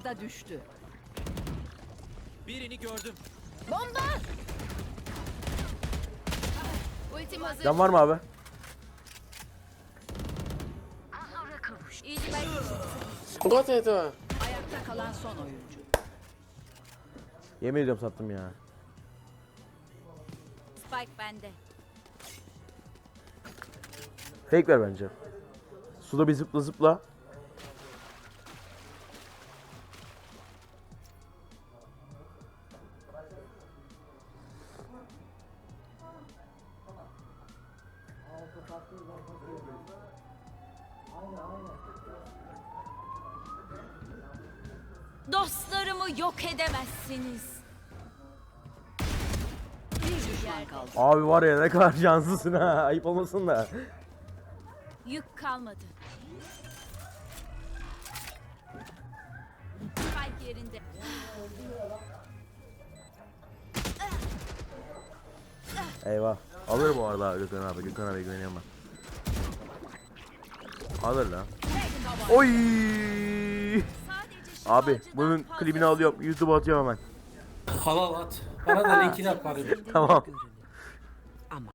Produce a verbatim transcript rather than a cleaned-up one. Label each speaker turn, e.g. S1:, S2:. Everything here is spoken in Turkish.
S1: A'da düştü.
S2: Birini gördüm.
S1: Bomba! Ultim hazır.
S3: Can var mı abi?
S1: İyi ben.
S4: Got it.
S1: Ayakta kalan son oyuncu.
S3: Yemin ediyorum sattım ya.
S1: Spike bende.
S3: Fake ver bence. Suda bir zıpla zıpla.
S1: Dostlarımı yok edemezsiniz. Bir düşman kaldı.
S3: Abi var ya ne kadar şanslısın ha. Ayıp olmasın da.
S1: Yük kalmadı. Spike yerinde.
S3: Eyvah. Alır bu arada Gökhan abi. Gökhan abi güveniyorum ben. Alır lan. Oy! Abi bunun klibini alıyorum. YouTube'a atıyorum hemen.
S4: Halal at. Bana da linkini at bari.
S3: Tamam.